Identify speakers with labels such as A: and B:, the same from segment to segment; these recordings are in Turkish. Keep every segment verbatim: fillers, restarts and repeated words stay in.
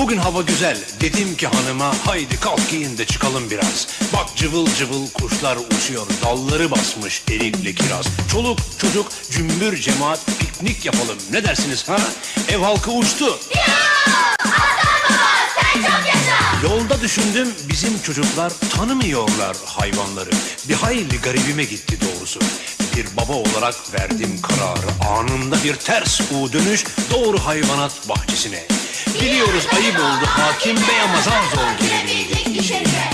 A: Bugün hava güzel, dedim ki hanıma haydi kalk giyin de çıkalım biraz. Bak cıvıl cıvıl kuşlar uçuyor, dalları basmış erikli kiraz. Çoluk çocuk cümbür cemaat piknik yapalım, ne dersiniz ha? Ev halkı uçtu. Yolda düşündüm, bizim çocuklar tanımıyorlar hayvanları. Bir hayli garibime gitti doğrusu. Bir baba olarak verdim kararı, anında bir ters U dönüş doğru hayvanat bahçesine. Biliyoruz ayıp oldu hakim bey ama zar zor girebildik içeriye.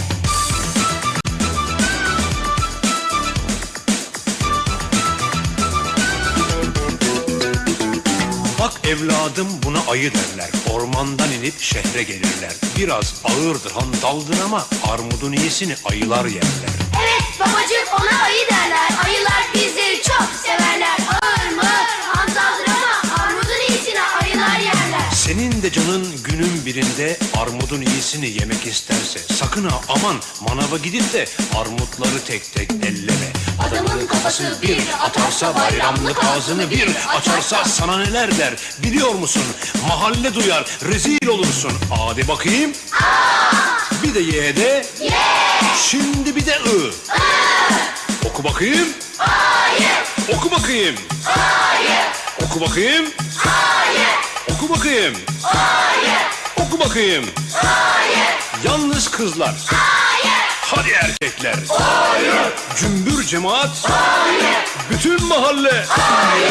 A: Bak evladım, buna ayı derler. Ormandan inip şehre gelirler. Biraz ağırdır, hantaldır ama armudun iyisini ayılar yerler.
B: Evet babacığım, ona ayı derler. Ayılar bizleri çok severler. Ağır mı, hantaldır ama armudun iyisini ayılar yerler.
A: Senin de canın günün birinde armudun iyisini yemek isterse sakın ha aman manava gidip de armutları tek tek elleme. Adamın kafası bir atarsa bayramlık ağzını bir açarsa sana neler der biliyor musun? Mahalle duyar, rezil olursun. Hadi bakayım.
B: Aa!
A: Bir de Y'de.
B: Ye!
A: Şimdi bir de I. I. Oku bakayım.
B: Hayır!
A: Oku bakayım.
B: Hayır!
A: Oku bakayım.
B: Hayır!
A: Oku bakayım.
B: Hayır!
A: Oku bakayım.
B: Hayır!
A: Yalnız kızlar.
B: Hayır!
A: Hadi erkekler.
B: Hayır!
A: Cümbür cemaat.
B: Hayır!
A: Bütün mahalle.
B: Hayır!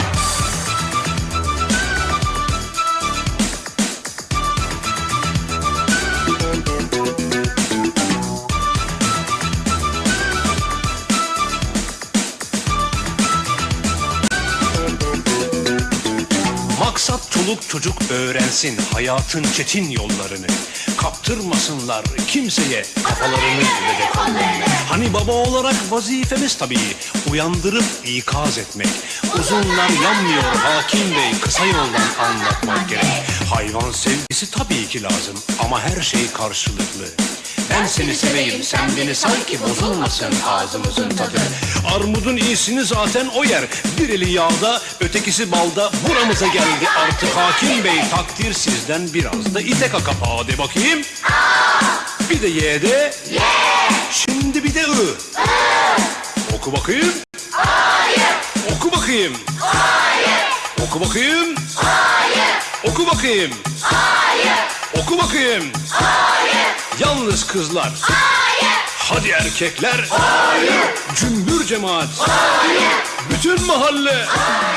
A: Maksat çoluk çocuk öğrensin hayatın çetin yollarını. Kaptırmasınlar kimseye kafalarını ve de kollarını. Hani baba olarak vazifemiz tabii uyandırıp ikaz etmek. Uzunlar yanmıyor hakim bey, kısa yoldan anlatmak gerek. Hayvan sevgisi tabii ki lazım ama her şey karşılıklı. Ben seni seveyim, sen beni sanki bozulmasın ağzımızın tadı. Armudun iyisini zaten o yer. Bir eli yağda, ötekisi balda. Buramıza geldi artık hakim bey. Takdir sizden biraz da ite kaka. Hadi bakayım.
B: Aa!
A: Bir de Y'de.
B: Ye!
A: Şimdi bir de I.
B: I.
A: Oku bakayım.
B: Hayır!
A: Oku bakayım.
B: Hayır!
A: Oku bakayım.
B: Hayır!
A: Oku bakayım.
B: Hayır!
A: Oku bakayım.
B: Hayır!
A: Yalnız kızlar.
B: Hayır!
A: Hadi erkekler.
B: Hayır!
A: Cümbür cemaat.
B: Hayır!
A: Bütün mahalle.
B: Hayır!